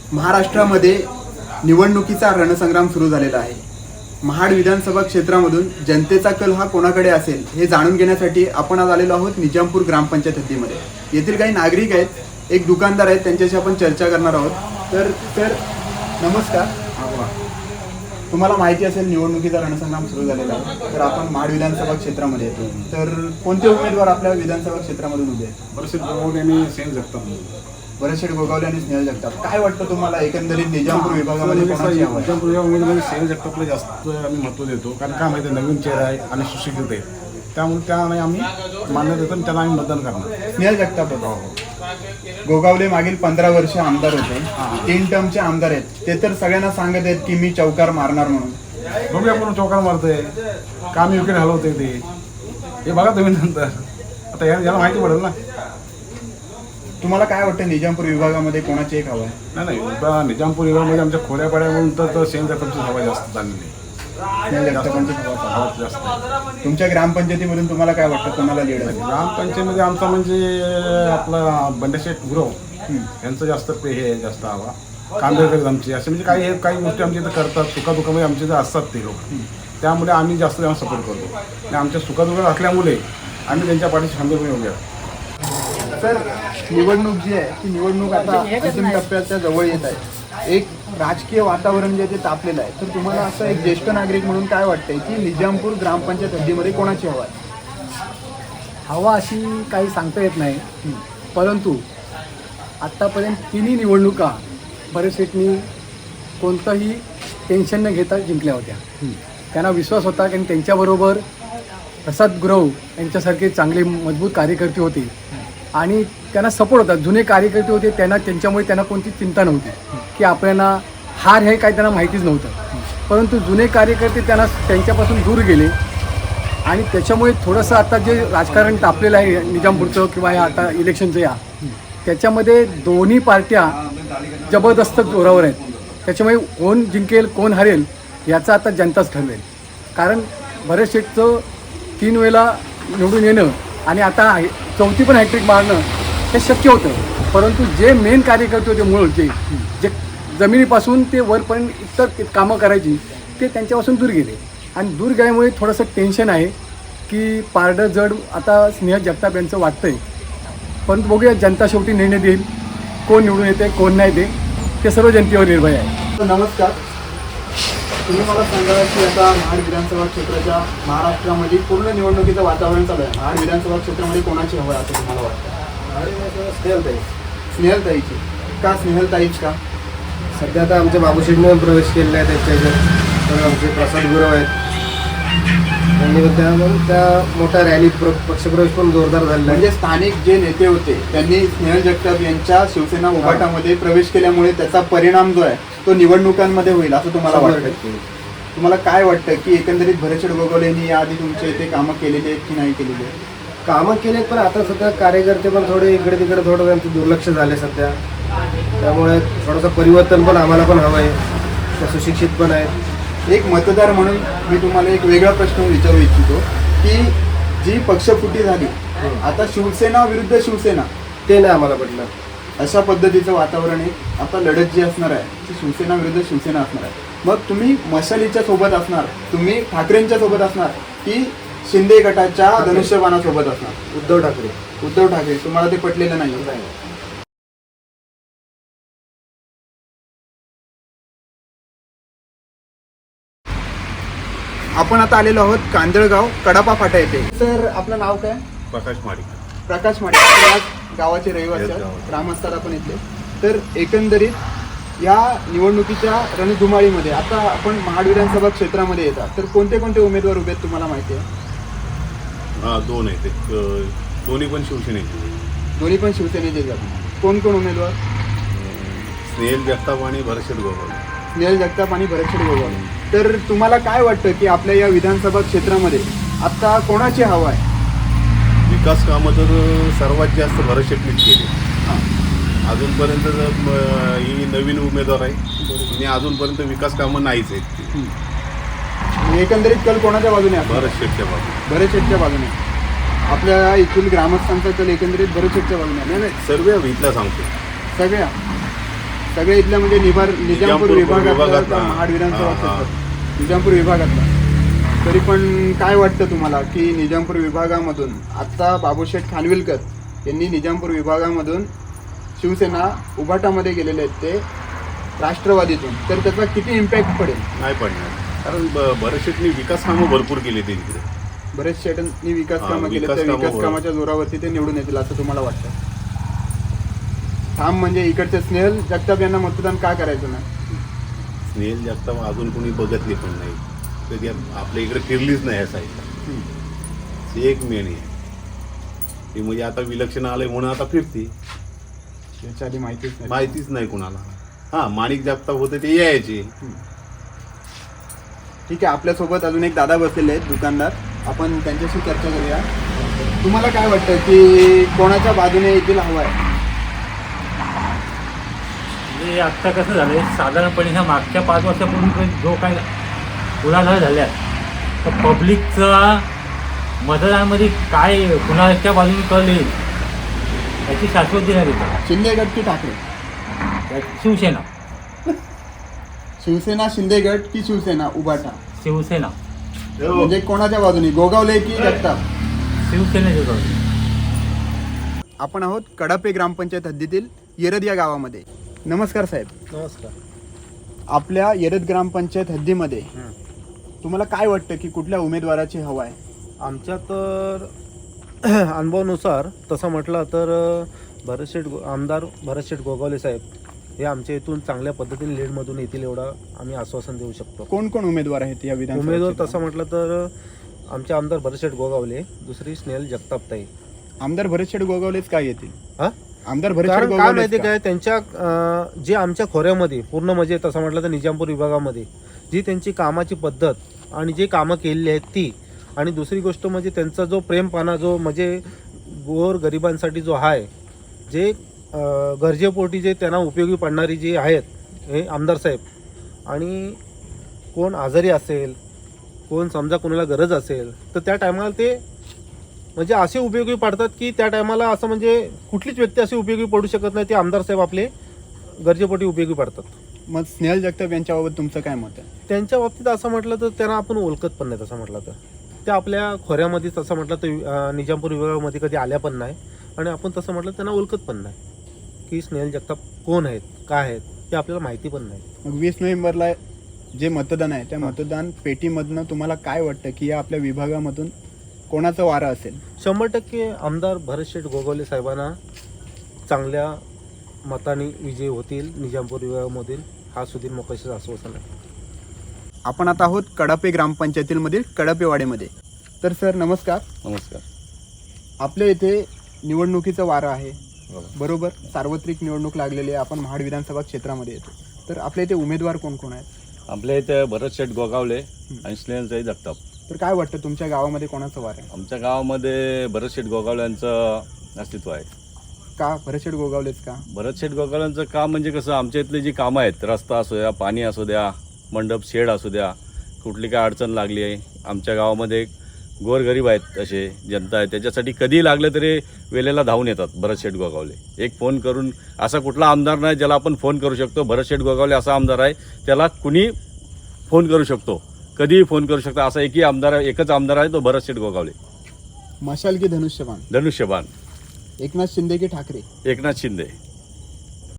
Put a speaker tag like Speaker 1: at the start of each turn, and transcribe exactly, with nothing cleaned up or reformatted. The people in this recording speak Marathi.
Speaker 1: महाराष्ट्रामध्ये निवडणुकीचा रणसंग्राम सुरू झालेला आहे. महाड विधानसभा क्षेत्रामधून जनतेचा कल हा कोणाकडे असेल हे जाणून घेण्यासाठी आपण आज आलेलो आहोत निजामपूर ग्रामपंचायत हद्दीमध्ये. येथील काही नागरिक आहेत, एक दुकानदार आहेत, त्यांच्याशी आपण चर्चा करणार आहोत. तर सर नमस्कार. तुम्हाला माहिती असेल निवडणुकीचा रणसंग्राम सुरू झालेला आहे. तर आपण महाड विधानसभा क्षेत्रामध्ये येतो. तर कोणते उमेदवार आपल्या विधानसभा क्षेत्रामधून उभे आहेत?
Speaker 2: बरेचसे गोगावले आणि स्नेहल जगताप.
Speaker 1: बरेचसे गोगावले आणि स्नेहल जगताप. काय वाटतं तुम्हाला एकंदरीत निजामपूर विभागामध्ये कोणाची हवा आहे?
Speaker 2: निजामपूर विभागामध्ये स्नेहल जगतापला जास्त आम्ही महत्त्व देतो, कारण काय माहिती नवीन चेहरा आहे आणि सुशिक्षित आहे, त्यामुळे त्यांना आम्ही मान्य देतो आणि त्यांना आम्ही मतदान करणार.
Speaker 1: स्नेहल जगताप होतो. गोगावले मागील पंधरा वर्ष आमदार होते, तीन टर्मचे आमदार आहेत. ते तर सगळ्यांना सांगत आहेत की मी चौकार मारणार म्हणून.
Speaker 2: बघूया आपण चौकार मारतोय काम विकेट हलवते ते हे बघा तुम्ही नंतर. आता या याला माहिती पडेल ना.
Speaker 1: तुम्हाला काय वाटतं निजामपूर विभागामध्ये कोणाची एक हवा आहे?
Speaker 2: नाही नाही आता निजामपूर विभागामध्ये आमच्या खोड्या पाड्या म्हणून तर स्नेहल जगतापची हवा जास्त झालेली.
Speaker 1: स्नेहल जगतापांची हवा
Speaker 2: हवा जास्त आहे.
Speaker 1: तुमच्या ग्रामपंचायतीमधून तुम्हाला काय वाटतं कोणाला लीड आहे?
Speaker 2: ग्रामपंचायतीमध्ये आमचा म्हणजे आपला बंडेशेठ गुरव यांचं जास्त पे हे आहे, जास्त हवा. कांदेकर आमची असे म्हणजे काही काही गोष्टी आमच्या इथं करतात, सुखादुखामध्ये आमचे जे असतात ते लोक, त्यामुळे आम्ही जास्त त्यांना सपोर्ट करतो. आणि आमच्या सुखादुखात असल्यामुळे आम्ही त्यांच्या पाठीशी खंबीरपणे उभे आहोत.
Speaker 1: सर निवडणूक जी आहे ती निवडणूक आता अंतिम टप्प्याच्या जवळ येत आहे. एक राजकीय वातावरण जे आहे ते तापलेलं आहे. तर तुम्हाला असं एक ज्येष्ठ नागरिक म्हणून काय वाटतंय की निजामपूर ग्रामपंचायत हद्दीमध्ये कोणाची हवा आहे?
Speaker 3: हवा अशी काही सांगता येत नाही, परंतु आत्तापर्यंत तिन्ही निवडणुका बरेचसेटनी कोणतंही टेन्शन न घेता जिंकल्या होत्या. त्यांना विश्वास होता की त्यांच्याबरोबर प्रसाद गुरव यांच्यासारखे चांगले मजबूत कार्यकर्ते होते आणि त्यांना सपोर्ट होता. जुने कार्यकर्ते होते, त्यांना त्यांच्यामुळे त्यांना कोणती चिंता नव्हती की आपल्याला हार हे काय त्यांना माहितीच नव्हतं. परंतु जुने कार्यकर्ते त्यांना त्यांच्यापासून दूर गेले आणि त्याच्यामुळे थोडंसं आता जे राजकारण तापलेलं आहे निजामपूरचं किंवा या आता इलेक्शनचं या त्याच्यामध्ये दोन्ही पार्ट्या जबरदस्त जोरावर आहेत. त्याच्यामुळे कोण जिंकेल कोण हरेल याचा आता जनताच ठरवेल. कारण बरेच शेटचं तीन वेळेला निवडून येणं आणि आता चौथी पण हॅट्रिक मारणं हे शक्य होतं, परंतु जे मेन कार्यकर्ते होते मूळचे जे जमिनीपासून ते वरपर्यंत इतर कामं करायची ते त्यांच्यापासून दूर गेले आणि दूर गेल्यामुळे थोडंसं टेन्शन आहे की पारडं जड आता स्नेहल जगताप यांचं वाटतं आहे. परंतु बघूया जनता शेवटी निर्णय देईल कोण निवडून येते कोण नाही ते ते सर्व जनतेवर निर्भय आहे.
Speaker 1: नमस्कार. तुम्ही मला सांगा की आता महाड विधानसभा क्षेत्राच्या महाराष्ट्रामध्ये पूर्ण निवडणुकीचं वातावरण चालू आहे. महाड विधानसभा क्षेत्रामध्ये कोणाची हवा आहे असं तुम्हाला वाटतं?
Speaker 4: स्नेहलताई.
Speaker 1: स्नेहलताईची. का स्नेहलताईच का?
Speaker 4: सध्या आता आमच्या बाबूशेठने प्रवेश केलेला आहे त्यांच्या ह्याच्यात. तर आमचे प्रसाद गुरव आहेत, त्यांनी त्या त्या मोठ्या रॅलीत प्र पक्षप्रवेश पण जोरदार झालेला आहे.
Speaker 1: म्हणजे स्थानिक जे नेते होते त्यांनी स्नेहल जगताप यांच्या शिवसेना उभाटामध्ये प्रवेश केल्यामुळे त्याचा परिणाम जो आहे तो निवडणुकांमध्ये होईल असं तुम्हाला वाटतं? तुम्हाला काय वाटतं की एकंदरीत भरतशेठ गोगावले यांनी याआधी तुमच्या इथे कामं केलेली आहेत की नाही केलेली आहेत?
Speaker 4: कामं केलेत, पण आता सध्या कार्यकर्ते पण थोडे इकडे तिकडे थोडं त्यांचं दुर्लक्ष झाले सध्या. त्यामुळे थोडंसं परिवर्तन पण आम्हाला पण हवं आहे. त्या सुशिक्षित पण आहेत.
Speaker 1: एक मतदार म्हणून मी तुम्हाला एक वेगळा प्रश्न विचारू इच्छितो की जी पक्षफुटी झाली आता शिवसेना विरुद्ध शिवसेना,
Speaker 4: ते नाही आम्हाला पटलं.
Speaker 1: अशा पद्धतीचं वातावरण आहे. आता लढत जी असणार आहे ती शिवसेना विरुद्ध शिवसेना असणार आहे. मग तुम्ही मशालीच्या सोबत असणार, तुम्ही ठाकरेंच्या सोबत असणार की शिंदे गटाच्या धनुष्यबाणासोबत असणार?
Speaker 4: उद्धव ठाकरे.
Speaker 1: उद्धव ठाकरे. तुम्हाला ते पटलेलं नाही? आपण आता आलेलो आहोत कांदळगाव कडापा फाटा येथे. सर आपलं नाव काय?
Speaker 2: प्रकाश माडिक.
Speaker 1: प्रकाश माडिक. आपण या गावाचे रहिवासी आहोत, ग्रामस्थ आपण इथले. तर एकंदरीत या निवडणुकीच्या रणधुमाळीमध्ये आता आपण महाड विधानसभा क्षेत्रामध्ये येतात, तर कोणते कोणते उमेदवार उभे आहेत तुम्हाला माहिती आहे?
Speaker 5: हां, दोन आहेत. एक दोन्ही पण शिवसेनेचे.
Speaker 1: दोन्ही पण शिवसेनेचे जातात. कोण कोण उमेदवार?
Speaker 5: स्नेहल जगताप आणि भरतशेठ गोगावले.
Speaker 1: स्नेहल जगताप आणि भरतशेठ गोगावले. तर तुम्हाला काय वाटतं की आपल्या या विधानसभा क्षेत्रामध्ये आता कोणाची हवा आहे?
Speaker 5: विकास कामं तर सर्वात जास्त भरतशेठनीच केली.
Speaker 1: हां.
Speaker 5: अजूनपर्यंत जर म- ही नवीन उमेदवार आहे आणि अजूनपर्यंत विकास कामं नाहीच आहेत.
Speaker 1: एकंदरीत कल कोणाच्या बाजूने आहे?
Speaker 5: भरतशेठच्या बाजूने.
Speaker 1: भरतशेठच्या बाजूने. आपल्या इथून ग्रामस्थांचा कल एकंदरीत भरतशेठच्या बाजूने आहे. नाही नाही
Speaker 5: सर्व इथला सांगतो.
Speaker 1: सगळ्या सगळे इथल्या म्हणजे निभार निजामपूर
Speaker 5: निजामपूर
Speaker 1: विभागातला
Speaker 5: विभागातला.
Speaker 1: महाड विधानसभा
Speaker 5: हा, हा.
Speaker 1: क्षेत्र निजामपूर विभागातला. तरी पण काय वाटतं तुम्हाला की निजामपूर विभागामधून आत्ता बाबूशेठ खानविलकर यांनी निजामपूर विभागामधून शिवसेना उभाटामध्ये गेलेले आहेत ते राष्ट्रवादीतून, तर त्याचा किती इम्पॅक्ट पडेल?
Speaker 5: नाही पडणार, कारण ब- बरेचशेटनी विकास कामं भरपूर केली ते तिकडे.
Speaker 1: बरेच शेटांनी विकास
Speaker 5: हा,
Speaker 1: कामं केले,
Speaker 5: विकास
Speaker 1: त्या
Speaker 5: कामं
Speaker 1: विकास
Speaker 5: बरोबर.
Speaker 1: कामाच्या जोरावरती ते निवडून येतील असं तुम्हाला वाटतं? ठाम म्हणजे इकडचे स्नेहल जगताप यांना मतदान का करायचं नाही?
Speaker 5: स्नेहल जगताप अजून कोणी बघतली पण नाही, कधी आपल्या इकडे फिरलीच नाही ह्या साईडला. ते एक मेन आहे ती, म्हणजे आता विलक्षण आलंय म्हणून आता फिरती.
Speaker 1: याच्या आधी माहितीच नाही.
Speaker 5: माहितीच नाही कुणाला. हा, माणिक जगताप होते ते यायचे.
Speaker 1: ठीक आहे, आपल्यासोबत अजून एक दादा बसलेले आहेत दुकानदार, आपण त्यांच्याशी चर्चा करूया. तुम्हाला काय वाटतं की कोणाच्या बाजूने येथील हवा आहे?
Speaker 6: म्हणजे आत्ता कसं झालं आहे, साधारणपणे ह्या मागच्या पाच वर्षापूर्वी जो काय गुन्हा झाल्या तर पब्लिकचा मतदानामध्ये काय कुणाच्या बाजूने कळले याची शाश्वती नाही देतात.
Speaker 1: शिंदे गट की ठाकरे?
Speaker 6: शिवसेना
Speaker 1: शिवसेना शिंदे गट की शिवसेना उभाटा?
Speaker 6: शिवसेना
Speaker 1: म्हणजे कोणाच्या बाजूने, गोगावले की जगताप?
Speaker 6: शिवसेनेच्या बाजूने.
Speaker 1: आपण आहोत कडापे ग्रामपंचायत हद्दीतील येरद या गावामध्ये. नमस्कार साहेब.
Speaker 4: नमस्कार.
Speaker 1: आपल्या येरद ग्रामपंचायत हद्दीमध्ये तुम्हाला काय वाटतं की कुठल्या उमेदवाराची हवा आहे?
Speaker 7: आमच्या तर अनुभवानुसार तसं म्हटलं तर भरतशेठ गो आमदार भरतशेठ गोगावले साहेब हे आमच्या इथून चांगल्या पद्धतीने लीडमधून येतील एवढं आम्ही आश्वासन देऊ शकतो.
Speaker 1: कोण कोण उमेदवार आहेत या विधानसभा
Speaker 7: उमेदवार
Speaker 1: क्षेत्रात?
Speaker 7: तसं म्हटलं तर आमचे आमदार भरतशेठ गोगावले, दुसरी स्नेहल जगतापताई.
Speaker 1: आमदार भरतशेठ गोगावलेच काय येतील?
Speaker 7: हा?
Speaker 1: आमदार भरतशेठ
Speaker 7: कारण काय
Speaker 1: गोगावलेच
Speaker 7: माहिती
Speaker 1: का?
Speaker 7: काय, त्यांच्या अं, जे आमच्या खोऱ्यामध्ये पूर्ण म्हणजे तसं म्हटलं तर निजामपूर विभागामध्ये जी त्यांची कामाची पद्धत आणि जे कामं केलेली आहेत ती, आणि दुसरी गोष्ट म्हणजे त्यांचा जो प्रेमपाना जो म्हणजे गोर गरिबांसाठी जो आहे, जे अं, गरजेपोटी जे त्यांना उपयोगी पडणारी जी आहेत हे आमदार साहेब, आणि कोण आजारी असेल, कोण समजा कोणाला गरज असेल तर त्या टायमाला ते म्हणजे असे उपयोगी पडतात की त्या टायमाला असं म्हणजे कुठलीच व्यक्ती अशी उपयोगी पडू शकत नाही, ते आमदार साहेब आपले गरजेपोटी उपयोगी पडतात.
Speaker 1: मग स्नेहल जगताप यांच्याबाबत तुमचं काय मत आहे?
Speaker 7: त्यांच्या बाबतीत असं म्हटलं तर त्यांना आपण ओळखत पण नाही. तसं म्हटलं तर ते आपल्या खोऱ्यामध्ये तसं म्हटलं तर अं, निजामपूर विभागामध्ये कधी आल्या पण नाही, आणि आपण तसं म्हटलं त्यांना ओळखत पण नाही की स्नेहल जगताप कोण आहेत, काय आहेत ते आपल्याला माहिती पण नाही.
Speaker 1: मग वीस नोव्हेंबरला जे मतदान आहे त्या मतदान पेटीमधनं तुम्हाला काय वाटतं की या आपल्या विभागामधून कोणाचं वारं असेल?
Speaker 7: शंभर टक्के आमदार भरतशेठ गोगावले साहेबांना चांगल्या मताने विजयी होतील निजामपूर विभागामधील, हा सुधीर मोकाशीचं आश्वासन आहे.
Speaker 1: आपण आता आहोत कडापे ग्रामपंचायतीमधील कडापेवाडीमध्ये. तर सर नमस्कार.
Speaker 5: नमस्कार.
Speaker 1: आपल्या इथे निवडणुकीचं वारं आहे, बरोबर? सार्वत्रिक निवडणूक लागलेली आहे, आपण महाड विधानसभा क्षेत्रामध्ये येतो. तर आपल्या इथे उमेदवार कोण कोण आहेत?
Speaker 8: आपल्या इथे भरतशेठ गोगावले आणि स्नेहलचाही जगताप.
Speaker 1: तर काय वाटतं तुमच्या गावामध्ये कोणाचं वारं आहे?
Speaker 8: आमच्या गावामध्ये भरतशेठ गोगावले यांचं अस्तित्व आहे.
Speaker 1: का भरतशेठ गोगावलेच का?
Speaker 8: भरतशेठ गोगावल्यांचं काम म्हणजे कसं, आमच्या इथले जी कामं आहेत, रस्ता असू द्या, पाणी असू द्या, मंडप शेड असू द्या, कुठली काय अडचण लागली आहे, आमच्या गावामध्ये गोरगरीब आहेत असे जनता आहे, त्याच्यासाठी कधीही लागलं तरी वेळेला धावून येतात भरतशेठ गोगावले. एक फोन करून, असा कुठला आमदार नाही ज्याला आपण फोन करू शकतो. भरतशेठ गोगावले असा आमदार आहे त्याला कुणी फोन करू शकतो, कधीही फोन करू शकतो. असा एकही आमदार, एकच आमदार आहे तो भरतशेठ गोगावले.
Speaker 1: मशाल की धनुष्यबाण?
Speaker 8: धनुष्यबाण.
Speaker 1: एकनाथ शिंदे की ठाकरे?
Speaker 8: एकनाथ शिंदे.